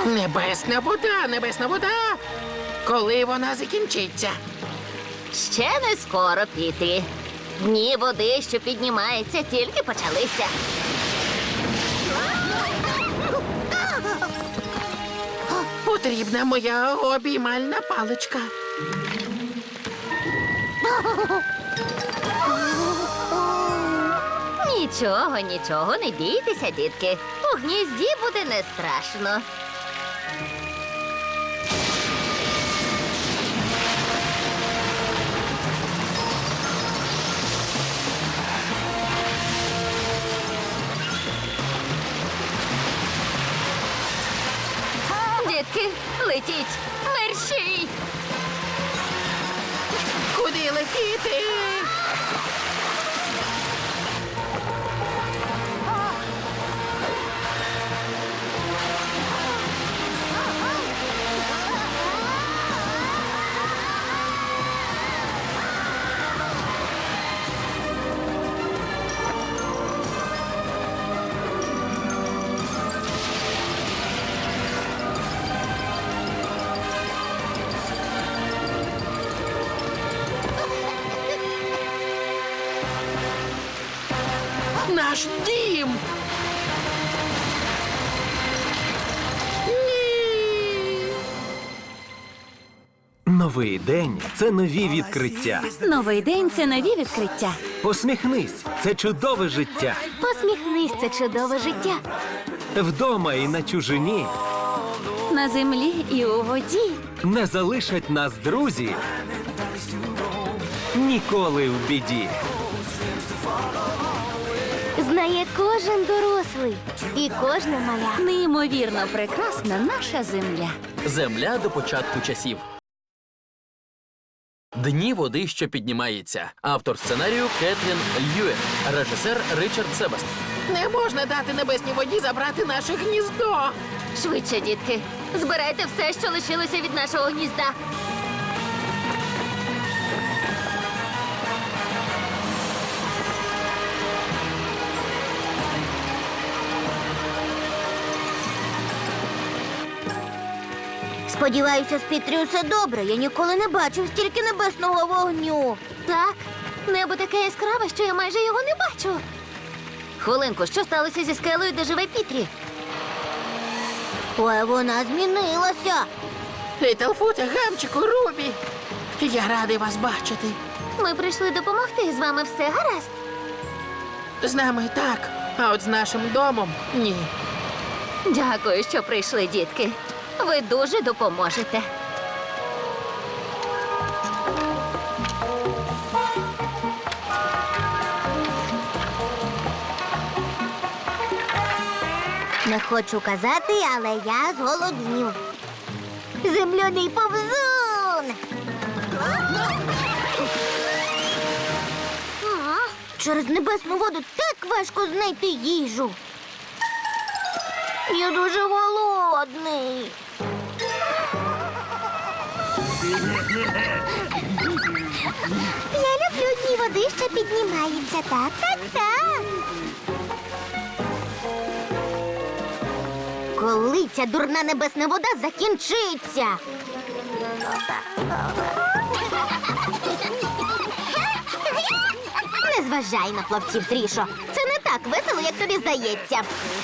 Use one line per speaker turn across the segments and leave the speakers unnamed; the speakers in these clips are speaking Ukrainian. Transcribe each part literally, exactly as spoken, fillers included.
Небесна вода, небесна вода. Коли вона закінчиться?
Ще не скоро, Пітрі. Дні води, що піднімається, тільки почалися.
Потрібна моя обіймальна паличка.
Нічого, нічого, не бійтеся, дітки. У гнізді буде не страшно. Дітки, летіть! Мерщій!
Куди летіти? Наш дім! Ні!
Новий день – це нові відкриття.
Новий день – це нові відкриття.
Посміхнись – це чудове життя.
Посміхнись, це чудове життя.
Вдома і на чужині
На землі і у воді.
не залишать нас друзі ніколи в біді.
Знає кожен дорослий і кожна маля. Неймовірно прекрасна наша земля.
Земля до початку часів. Дні води, що піднімається. Автор сценарію Кетрін Льюен. Режисер Ричард Себаст.
Не можна дати небесній воді забрати наше гніздо.
Швидше, дітки. Збирайте все, що лишилося від нашого гнізда.
Сподіваюся, з Пітрі все добре. Я ніколи не бачив стільки небесного вогню.
Так, небо таке яскраве, що я майже його не бачу. Хвилинку, що сталося зі скелею, де живе Пітрі?
Ой, вона змінилася.
Літлфуте, Гамчику, Рубі. Я радий вас бачити.
Ми прийшли допомогти, з вами все гаразд.
З нами так, а от з нашим домом – ні.
Дякую, що прийшли, дітки. Ви дуже допоможете.
Не хочу казати, але я зголоднів. Земляний повзун! Через небесну воду так важко знайти їжу. Я дуже голодний. Я люблю дні води, що піднімаються. Так, так, так. Коли ця дурна небесна вода закінчиться? Не зважай на плавців, Трішо. Це не так весело, як тобі здається.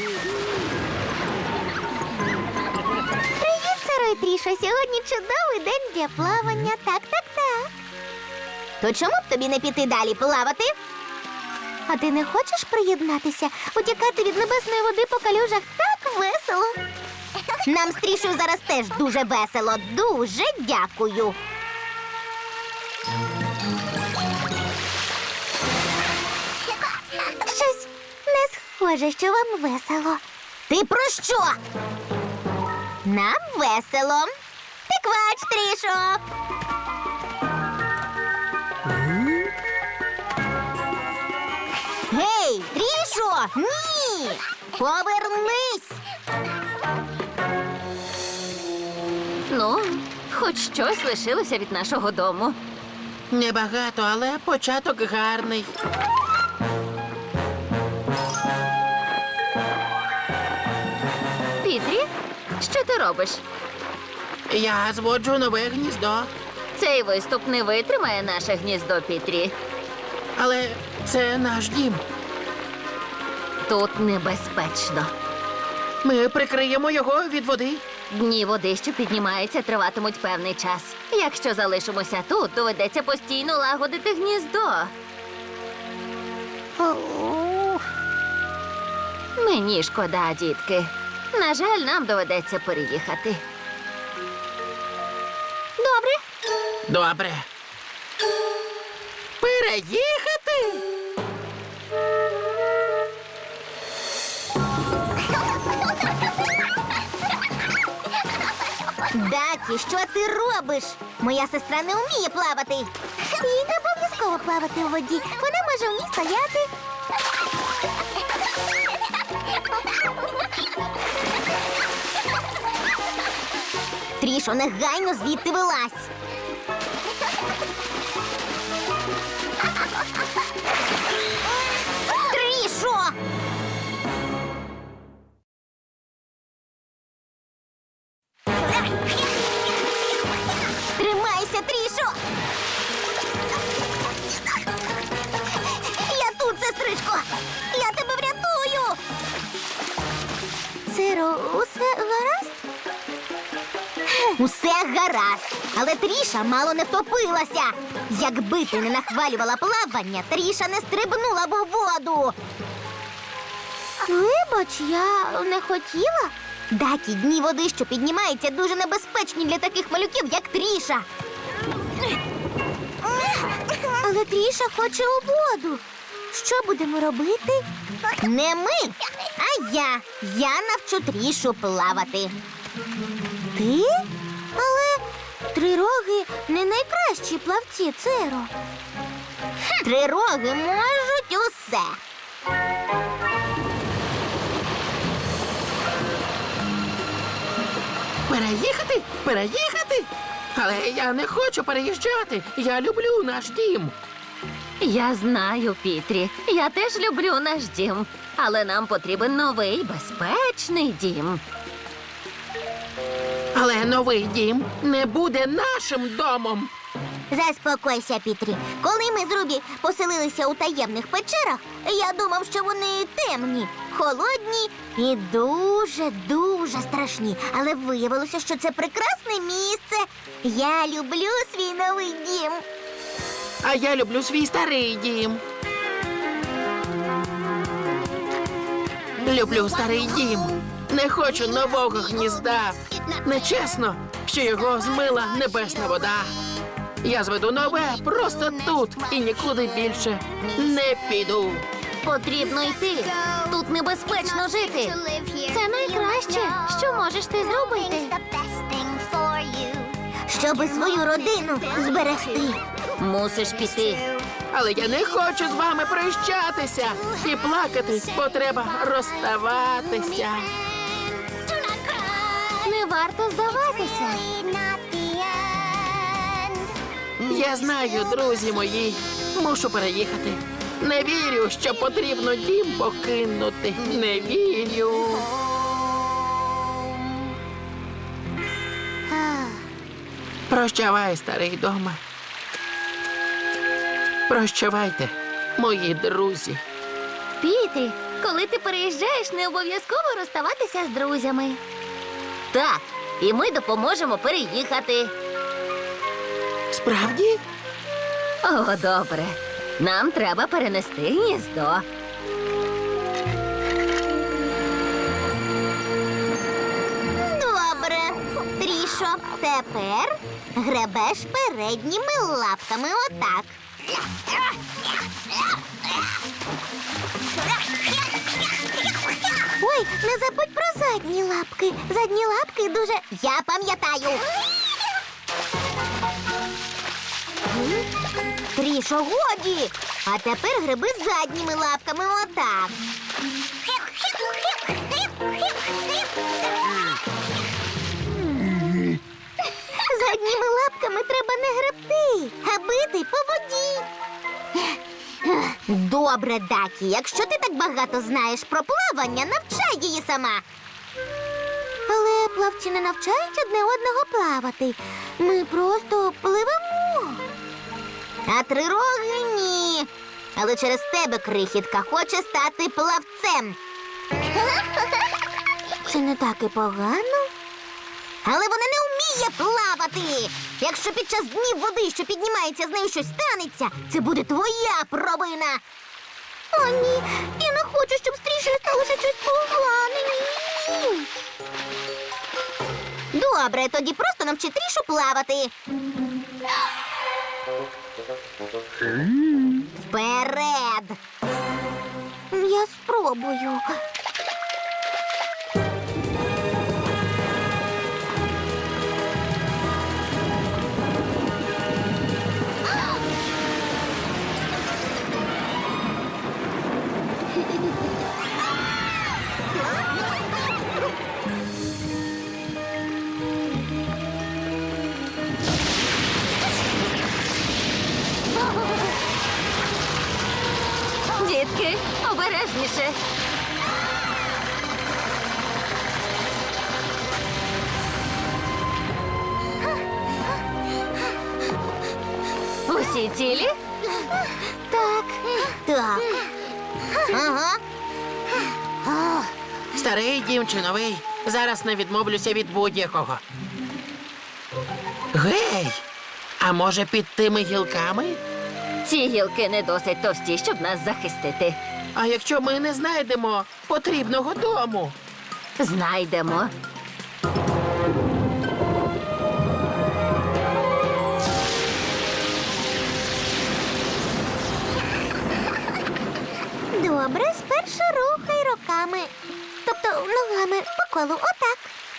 Привіт, Саро і Трішо. Сьогодні чудовий день для плавання. Так, так, так. То чому б тобі не піти далі плавати? А ти не хочеш приєднатися? Утікати від небесної води по калюжах так весело. Нам з Трішою зараз теж дуже весело. Дуже дякую. Щось не схоже, що вам весело. Ти про що? Нам весело. Ти квач, Трішо. Гей, Трішо! Ні! Повернись!
Ну, хоч щось лишилося від нашого дому.
Небагато, але початок гарний.
Пітрі, Що ти робиш?
Я зводжу нове гніздо,
Цей виступ не витримає наше гніздо, Пітрі.
але це наш дім.
Тут небезпечно.
Ми прикриємо його від води.
Дні води, що піднімаються, триватимуть певний час. Якщо залишимося тут, доведеться постійно лагодити гніздо. Мені шкода, дітки. На жаль, нам доведеться переїхати.
Добре.
Добре. Переїхати?
Дакі, що ти робиш? Моя сестра не вміє плавати. Їй не обов'язково плавати у воді. Вона може в ній стояти. Трішо, негайно звідти вилазь. Трішо! Тримайся, Трішо! Я тут, сестричко! Я тебе врятую! Циро, усе гаразд? Усе гаразд, але Тріша мало не втопилася. Якби ти не нахвалювала плавання, Тріша не стрибнула б у воду. Вибач, я не хотіла. Дакі, дні води, що піднімаються, дуже небезпечні для таких малюків, як Тріша. Але Тріша хоче у воду. Що будемо робити? Не ми, а я. Я навчу Трішу плавати. Ти? Але трироги не найкращі плавці, Циро. Трироги можуть усе.
Переїхати? Переїхати? Але я не хочу переїжджати. Я люблю наш дім.
Я знаю, Пітрі. Я теж люблю наш дім. Але нам потрібен новий безпечний дім.
Але новий дім не буде нашим домом.
Заспокойся, Пітрі. Коли ми з Рубі поселилися у таємних печерах, я думав, що вони темні, холодні і дуже-дуже страшні. Але виявилося, що це прекрасне місце. Я люблю свій новий дім.
А я люблю свій старий дім. Люблю старий дім. Не хочу нового гнізда. Нечесно, що його змила небесна вода. Я зведу нове просто тут і нікуди більше не піду.
Потрібно йти. Тут небезпечно жити. Це найкраще, що можеш ти зробити.
Щоби свою родину зберегти.
Мусиш піти.
Але я не хочу з вами прощатися. І плакати, бо треба розставатися.
Не варто здаватися.
Я знаю, друзі мої, мушу переїхати. Не вірю, що потрібно дім покинути. Не вірю. Прощавай, старий дома. Прощавайте, мої друзі.
Пітрі, коли ти переїжджаєш, не обов'язково розставатися з друзями. Так, і ми допоможемо переїхати.
Справді?
О, добре. Нам треба перенести гніздо.
Добре. Трішо, тепер гребеш передніми лапками отак. Ой, не забудь про задні лапки. Задні лапки дуже... Я пам'ятаю. Трішо, годі. А тепер гриби задніми лапками отак. Задніми лапками треба не гребти, а бити по воді. Добре, Дакі, якщо ти так багато знаєш про плавання, навчай її сама. Але плавці не навчають одне одного плавати. Ми просто пливемо. А трироги ні. Але через тебе крихітка хоче стати плавцем. Це не так і погано. Але вона не вміє плавати. Якщо під час днів води, що піднімається, з нею щось станеться, це буде твоя провина. О, ні, я не хочу, щоб з Трішею сталося щось погане. Ні-ні-ні. Добре, тоді просто навчи Трішу плавати. Вперед! Я спробую.
Дітки, обережніше. Усі цілі?
Так. Так. Ага.
Старий дім чи новий, зараз не відмовлюся від будь-якого. Гей! А може під тими гілками?
Ці гілки не досить товсті, щоб нас захистити.
А якщо ми не знайдемо потрібного дому?
Знайдемо.
Добре, спершу рухай руками. Тобто ногами по колу. Отак.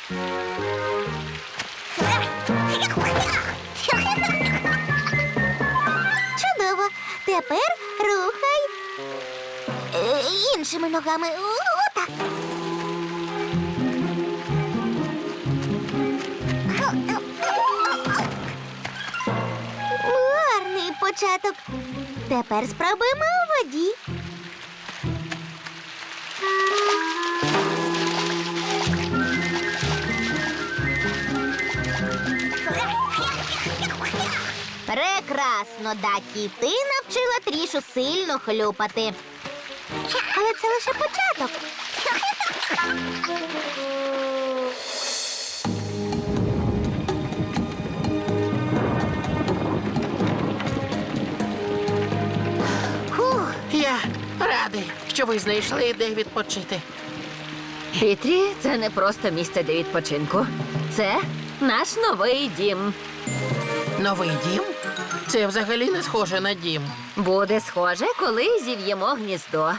Чудово. Тепер рухай е, іншими ногами. О, отак. Гарний початок. Тепер спробуємо у воді. Прекрасно, Дакі. Ти навчила Трішу сильно хлюпати. Але це лише початок.
Фух, я радий, що ви знайшли, де відпочити.
Пітрі, це не просто місце для відпочинку. Це наш новий дім.
Новий дім? Це взагалі не схоже на дім.
Буде схоже, коли зів'ємо гніздо.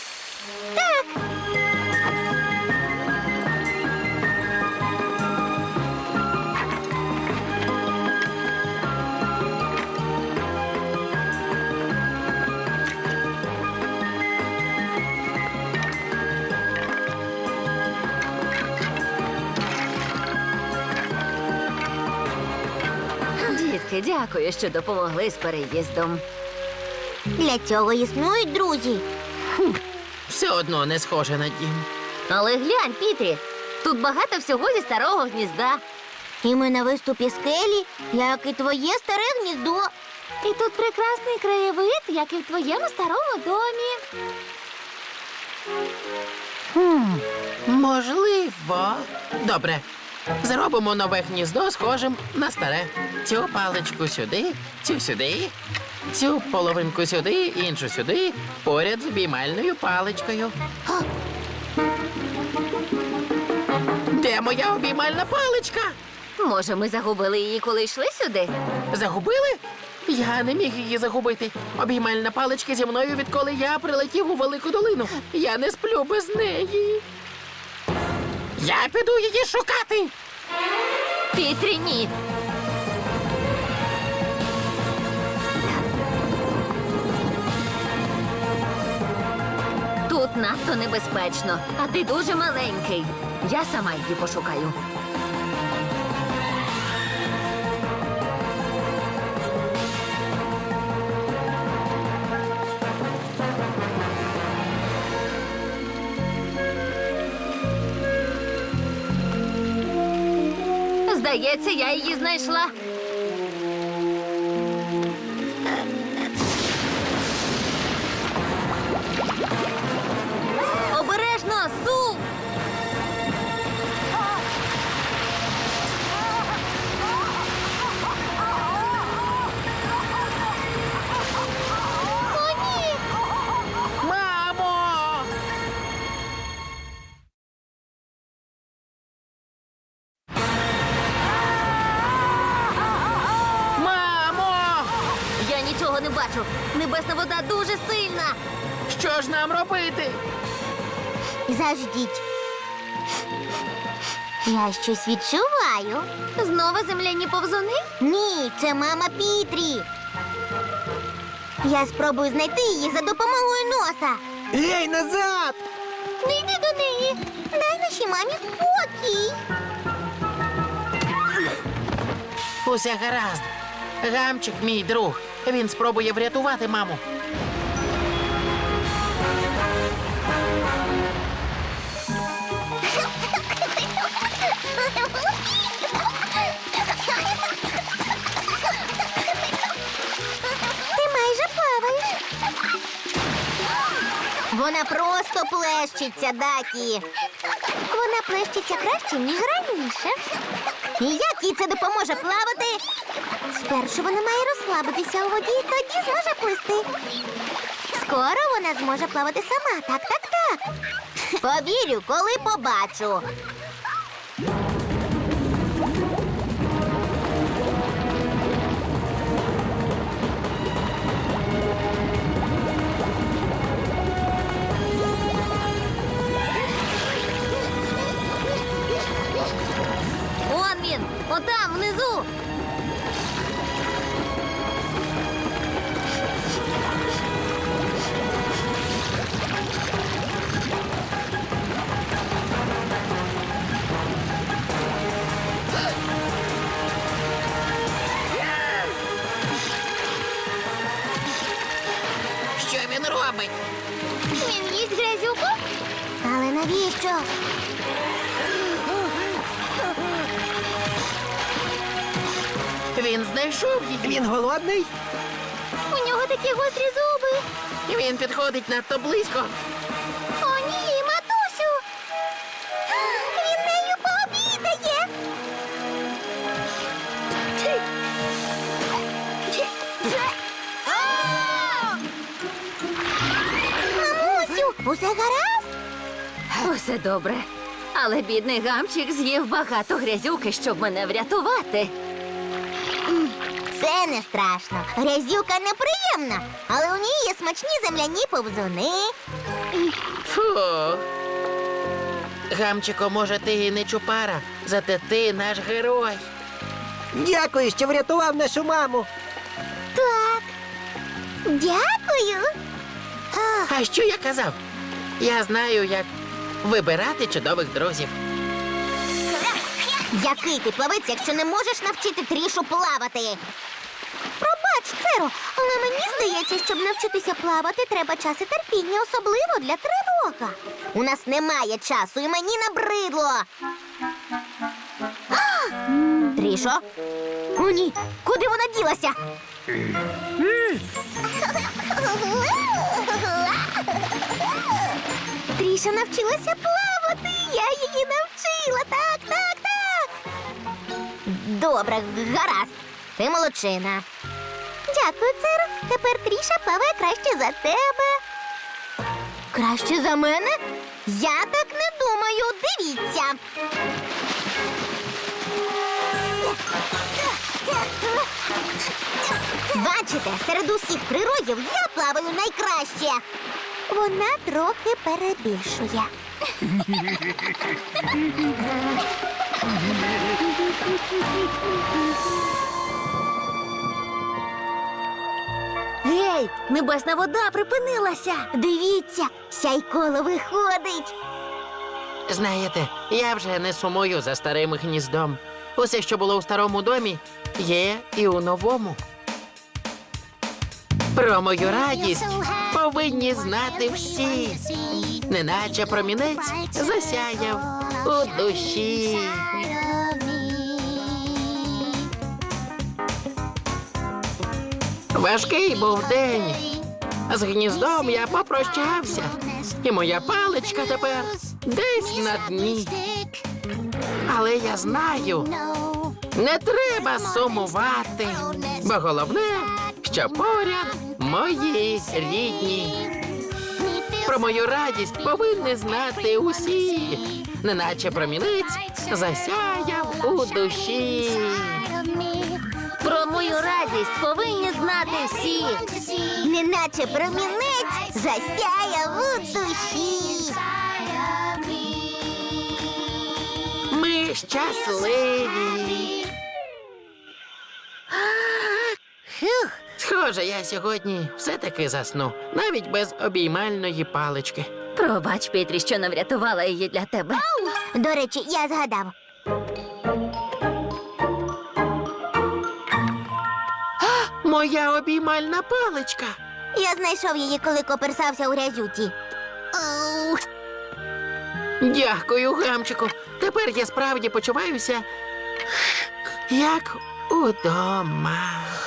Дітки, дякую, що допомогли з переїздом.
Для цього існують друзі.
Все одно не схоже на дім.
Але глянь, Пітрі, тут багато всього зі старого гнізда.
І ми на виступі скелі, як і твоє старе гніздо.
І тут прекрасний краєвид, як і в твоєму старому домі.
Можливо. Добре. Зробимо нове гніздо схожим на старе. Цю паличку сюди, цю сюди, цю половинку сюди, іншу сюди, поряд з обіймальною паличкою. А! Де моя обіймальна паличка?
Може, ми загубили її, коли йшли сюди?
Загубили? Я не міг її загубити. Обіймальна паличка зі мною, відколи я прилетів у велику долину. Я не сплю без неї. Я піду її шукати.
Пітрі, ні. Тут надто небезпечно, а ти дуже маленький. Я сама її пошукаю. Здається, я її знайшла. Обережно, Су!
О, ні!
Мамо! Мамо!
Я нічого не бачу. Небесна вода дуже сильна.
Що ж нам робити?
Заждіть. Я щось відчуваю.
Знову земляні повзуни?
Ні, це мама Пітрі. Я спробую знайти її за допомогою носа.
Гей, назад!
Не йди до неї. Дай нашій мамі спокій.
Усе гаразд. Гамчик, мій друг. Він спробує врятувати маму.
Ти майже плаваєш. Вона просто плещеться, Дакі. Вона плещеться краще, ніж раніше. І як їй це допоможе плавати? Спершу вона має розслабитися у воді, тоді зможе плисти. Скоро вона зможе плавати сама. Так, так, так. Повірю, коли побачу.
Он він! Отам, внизу!
Що він робить?
Він їсть грязюку? Але навіщо?
Він знайшов її.
Він голодний?
У нього такі гострі зуби.
Він підходить надто близько.
О, ні, матусю! Він нею пообідає! Мамусю, усе гаразд?
Усе добре. Але бідний гамчик з'їв багато грязюки, щоб мене врятувати.
Це не страшно. Грязюка неприємна, але у ній є смачні земляні повзуни.
Фу. Гамчико, може, ти і не чупара, зате ти наш герой.
Дякую, що врятував нашу маму.
Так. Дякую. А,
А що я казав? Я знаю, як вибирати чудових друзів.
який ти плавець, якщо не можеш навчити Трішу плавати? Пробач, Церо, але мені здається, щоб навчитися плавати, треба час і терпіння, особливо для тривога. У нас немає часу, і мені набридло. А! Трішо? О, ні, куди вона ділася? Тріша навчилася плавати. Я її навчила. Так, так, так. Добре, гаразд. Ти молодчина. Дякую, Церо. Тепер Тріша плаває краще за тебе. Краще за мене? Я так не думаю. Дивіться. Бачите, серед усіх трирогів я плаваю найкраще. Вона трохи перебільшує.
Гей, небесна вода припинилася.
Дивіться, сяйколо виходить.
Знаєте, я вже не сумую за старим гніздом. Усе, що було у старому домі, є і у новому. Про мою радість повинні знати всі. Неначе промінець засяяв у душі. Важкий був день. З гніздом я попрощався, і моя паличка тепер десь на дні. Але я знаю, не треба сумувати, бо головне, що поряд мої рідні. Про мою радість повинні знати усі, неначе промінець засяяв у душі.
Про мою радість повинні знати всі.
Неначе промінець засяяв у душі.
Ми щасливі. Схоже, я сьогодні все-таки засну, навіть без обіймальної палички.
Пробач, Петрі, що не врятувала її для тебе.
До речі, я згадав.
Моя обіймальна паличка.
Я знайшов її, коли коперсався у грязюці.
Дякую, гамчику. Тепер я справді почуваюся як удома.